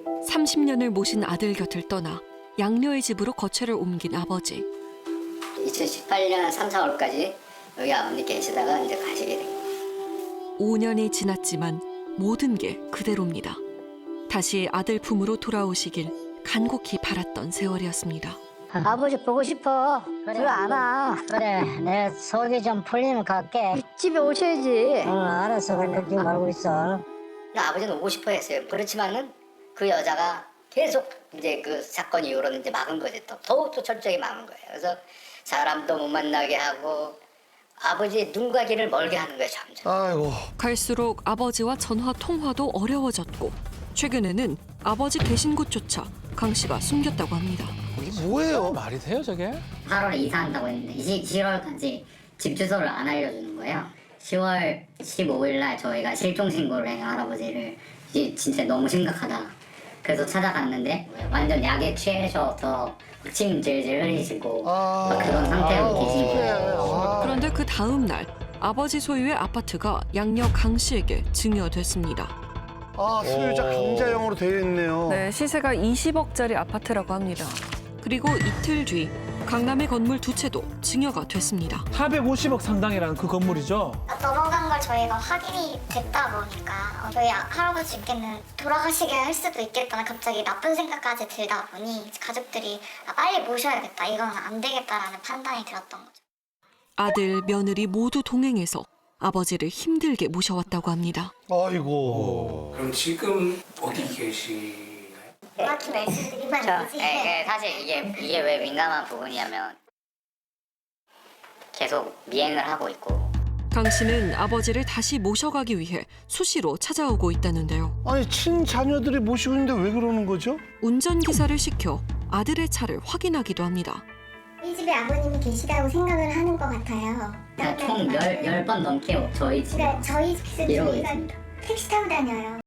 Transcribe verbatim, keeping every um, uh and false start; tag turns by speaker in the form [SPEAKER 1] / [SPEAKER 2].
[SPEAKER 1] 삼십 년을 모신 아들 곁을 떠나 양녀의 집으로 거처를 옮긴 아버지.
[SPEAKER 2] 이천십팔 년 삼, 사월까지 여기 아버님 계시다가 이제 가시게 된 거예요.
[SPEAKER 1] 오 년이 지났지만 모든 게 그대로입니다. 다시 아들 품으로 돌아오시길 간곡히 바랐던 세월이었습니다.
[SPEAKER 3] 아버지 보고 싶어. 그래 안 와.
[SPEAKER 4] 그래, 내 속이 좀 풀리면 갈게.
[SPEAKER 3] 집에 오셔야지.
[SPEAKER 4] 응, 알았어. 그래, 걱정 말고 있어.
[SPEAKER 2] 근데 아버지는 오고 싶어 했어요. 그렇지만은 그 여자가 계속 이제 그 사건 이후로는 이제 막은 거지. 또 더욱더 철저히 막은 거예요. 그래서 사람도 못 만나게 하고 아버지의 눈과 귀를 멀게 하는 거예요, 점점.
[SPEAKER 5] 아이고.
[SPEAKER 1] 갈수록 아버지와 전화 통화도 어려워졌고 최근에는 아버지 계신 곳조차 강 씨가 숨겼다고 합니다.
[SPEAKER 5] 이게 뭐예요?
[SPEAKER 6] 말이 돼요 저게?
[SPEAKER 2] 팔월에 이사한다고 했는데 시월까지 집 주소를 안 알려주는 거예요. 시월 십오일 날 저희가 실종 신고를 해요, 할아버지를. 이게 진짜 너무 심각하다. 그래서 찾아갔는데 완전 약에 취해셔서 침 질질 흘리시고
[SPEAKER 5] 아,
[SPEAKER 2] 막 그런 상태로 계시고.
[SPEAKER 5] 아,
[SPEAKER 1] 그런데 그 다음 날 아버지 소유의 아파트가 양녀 강 씨에게 증여됐습니다.
[SPEAKER 5] 아, 소유자 강자형으로 되어 있네요.
[SPEAKER 1] 네, 시세가 이십억짜리 아파트라고 합니다. 그리고 이틀 뒤 강남의 건물 두 채도 증여가 됐습니다.
[SPEAKER 6] 사백오십억 상당이라는 그 건물이죠?
[SPEAKER 7] 넘어간 걸 저희가 확인이 됐다 보니까 어, 저희 할아버지께는 돌아가시게 할 수도 있겠다는 갑자기 나쁜 생각까지 들다 보니 가족들이 아, 빨리 모셔야겠다, 이건 안 되겠다라는 판단이 들었던 거죠.
[SPEAKER 1] 아들, 며느리 모두 동행해서 아버지를 힘들게 모셔왔다고 합니다.
[SPEAKER 5] 아이고.
[SPEAKER 8] 그럼 지금 어디 계시나요?
[SPEAKER 7] 정확히 말씀드리면
[SPEAKER 2] 저,
[SPEAKER 7] 되지.
[SPEAKER 2] 예, 예, 사실 이게 이게 왜 민감한 부분이냐면 계속 미행을 하고 있고.
[SPEAKER 1] 강 씨는 아버지를 다시 모셔가기 위해 수시로 찾아오고 있다는데요.
[SPEAKER 5] 아니, 친자녀들이 모시고 있는데 왜 그러는 거죠?
[SPEAKER 1] 운전기사를 시켜 아들의 차를 확인하기도 합니다.
[SPEAKER 7] 이 집에 아버님이 계시다고 생각을 하는 것 같아요.
[SPEAKER 2] 총 열 열 번 넘게 저희 집에
[SPEAKER 7] 그러니까 저희 집에서
[SPEAKER 2] 이러고
[SPEAKER 7] 저희가
[SPEAKER 2] 있습니다.
[SPEAKER 7] 택시 타고 다녀요.